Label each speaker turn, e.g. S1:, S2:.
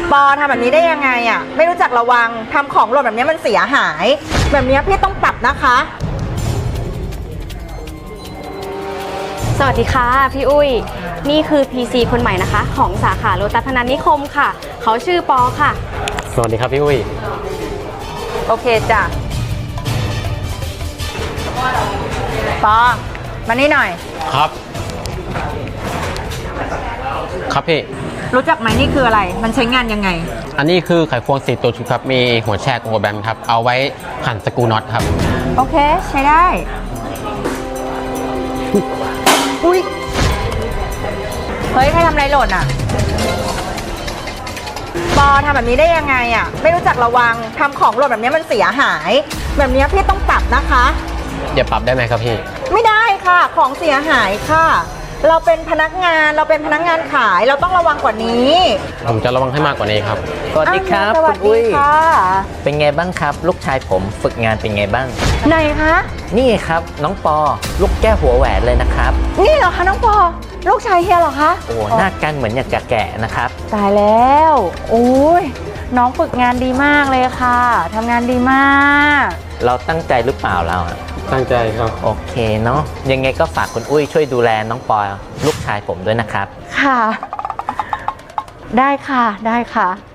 S1: ปอทำแบบนี้ได้ยังไงอ่ะไม่รู้จักระวังทำของหล่นแบบนี้มันเสียหาย แบบนี้พี่ต้องปรับนะคะ
S2: สวัสดีค่ะพี่อุ้ยนี่คือ PC คนใหม่นะคะของสาขาโลตัสพนัสนิคมค่ะเขาชื่อปอค่ะ
S3: สวัสดีครับพี่อุ้ย
S1: โอเคจ้ะปอมานี่หน่อย
S3: ครับครับพี่
S1: รู้จักไหมนี่คืออะไรมันใช้งานยังไง
S3: อันนี้คือไขควง4ตัวชุดครับมีหัวแชกหัวแบนครับเอาไว้ขันสกรูน็อตครับ
S1: โอเคใช้ได้อุ้ยเฮ้ยใครทำอะไรหล่นอ่ะปอทำแบบนี้ได้ยังไงอ่ะไม่รู้จักระวังทำของหล่นแบบนี้มันเสียหาย แบบนี้พี่ต้องปรับนะคะ
S3: อย่าปรับได้ไหมครับพี่
S1: ไม่ได้ค่ะของเสียหายค่ะเราเป็นพนักงานขายเราต้องระวังกว่านี้
S3: ผมจะระวังให้มากกว่านี้ครับ
S4: สวัสดีครับคุณอุ้ยเป็นไงบ้างครับลูกชายผมฝึกงานเป็นไงบ้าง
S1: ไหนคะ
S4: นี่ครับน้องปอลูกแก้วหัวแหวนเลยนะครับ
S1: นี่เหรอคะน้องปอลูกชายเฮียเหรอคะ
S4: โอ้หน้ากันเหมือนอยากจะแก่นะครับ
S1: ตายแล้วโอ้ยน้องฝึกงานดีมากเลยค่ะทำงานดีมาก
S4: เราตั้งใจหรือเปล่าเรา
S3: ตั้งใจครับ
S4: โอเคเนาะยังไงก็ฝากคุณอุ้ยช่วยดูแลน้องปอลูกชายผมด้วยนะครับ
S1: ค่ะได้ค่ะได้ค่ะ